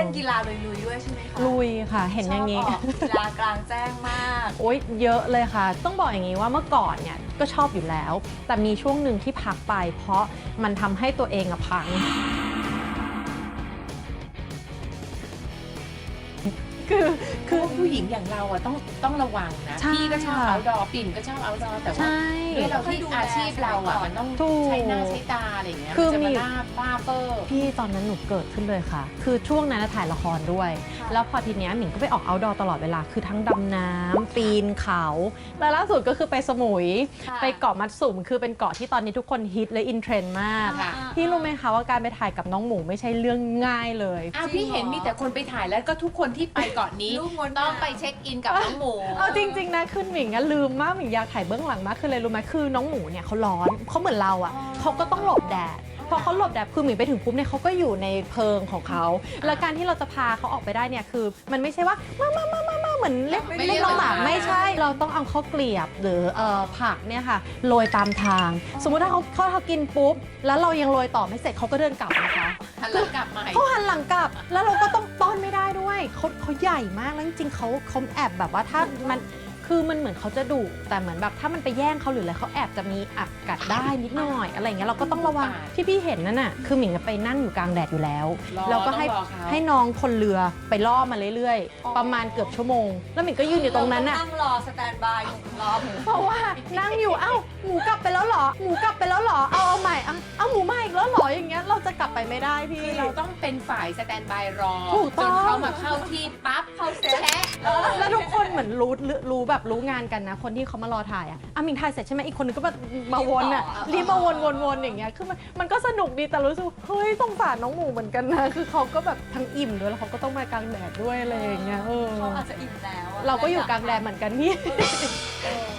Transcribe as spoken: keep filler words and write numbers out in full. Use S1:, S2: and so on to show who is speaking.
S1: ล่นกีฬาลุยๆด้วยใช่ไหมคะ
S2: ลุยค่ะเห็นอย่างนี้
S1: กีฬากลางแจ้งมาก
S2: โอ๊ยเยอะเลยค่ะต้องบอกอย่างนี้ว่าเมื่อก่อนเนี่ยก็ชอบอยู่แล้วแต่มีช่วงหนึ่งที่พักไปเพราะมันทำให้ตัวเองอะพังคือ
S3: คือผู้หญิงอย่างเราอะต้องต้องระวังนะพี่ก็ชอบเอาดอปิ่นก็ชอบเอาดอแต่ว่าด้วยเราที่อาชีพเราอะมันต้องใช้หน้าใช้ตาอะไรอย่างเงี้ยจะมาหน้าป้าเปอร์
S2: พี่ตอนนั้นหนูเกิดขึ้นเลยค่ะคือช่วงนั้นถ่ายละครด้วยแล้วพอทีเนี้ยหมิงก็ไปออกเอาท์ดอร์ตลอดเวลาคือทั้งดำน้ำปีนเขาแล้วล่าสุดก็คือไปสมุยไปเกาะมัดสุมคือเป็นเกาะที่ตอนนี้ทุกคนฮิตและอินเทรนด์มากพี่รู้ไหมคะว่าการไปถ่ายกับน้องหมูไม่ใช่เรื่องง่ายเลย
S3: อ้าวพี่เห็นมีแต่คนไปถ่ายแล้วก็ทุกคนที่ไปเกาะนี้ต้องไปเช็คอินกับน้องหมู
S2: เอาจริงๆนะคือหมิงอะลืมมากหมิงอยากถ่ายเบื้องหลังมากคืออะไรรู้ไหมคือน้องหมูเนี่ยเขาร้อนเขาเหมือนเราอะเขาก็ต้องหลบแดดพอเขาหลบแดดคือหมิงไปถึงปุ๊บเนี่ยเขาก็อยู่ในเพิงของเขาแล้วการที่เราจะพาเขาออกไปได้เนี่ยคือมันไม่ใช่ว่ามามามามามาเหมือนเล็กเล็กน้องหมาไม่ใช่เราต้องเอาข้าวเกลียบหรือเอ่อผักเนี่ยค่ะโรยตามทางสมมุติถ้าเขาเขาเขากินปุ๊บแล้วเรายังโรยต่อไม่เสร็จเขาก็เดินกลับนะคะ
S3: หันหลังกลับมา
S2: เขาหันหลังกลับแล้วเราก็ต้องต้อนไม่ได้ด้วยเขาเขาใหญ่มากแล้วจริงๆเขาเขาแอบแบบว่าถ้ามันคือมันเหมือนเขาจะดุแต่เหมือนแบบถ้ามันไปแย่งเขาหรืออะไรเขาแอบจะมีอักกัดได้นิดหน่อยอะไรเงี้ยเราก็ต้องระวังที่พี่เห็นนั่นน่ะคือหมิงไปนั่งอยู่กลางแดดอยู่แล้วแล้วก็ให้ให้น้องคนเรือไปล่อมาเรื่อยๆประมาณเกือบชั่วโมงแล้วหมิงก็ยืนอยู่ตรงนั้นน่ะ
S1: นั่งรอสแตนบายรอหมู
S2: เพราะว่านั่งอยู่เอ้าหมูกลับไปแล้วหรอหมูกลับไปแล้วหรอเอาเอาใหม่เอาเอาหมูมาอีกแล้วหรออย่างเงี้ยเราจะกลับไปไม่ได้พี่
S3: เราต้องเป็นฝ่ายสแตนบายรอ
S2: จ
S3: นเขามาเข้าที่ปั๊บ
S1: เข้าเซต
S2: แล้วทุกคนเหมือนรู้รู้แบบรู้งานกันนะคนที่เขามารอถ่ายอ่ะอ่ะมิงถ่ายเสร็จใช่ไหมอีกคนนึงก็มามาวนอ่ะรีบมาวนวนวนอย่างเงี้ยคือมันมันก็สนุกดีแต่รู้สึกเฮ้ยสงสารน้องหมูเหมือนกันนะคือเขาก็แบบทั้งอิ่มด้วยแล้วเขาก็ต้องมากลางแดดด้วยอะไรอย่างเงี้ยเออ
S1: เขาอาจจะอิ่มแล้ว
S2: เราก็อยู่กลางแดดเหมือนกันพี่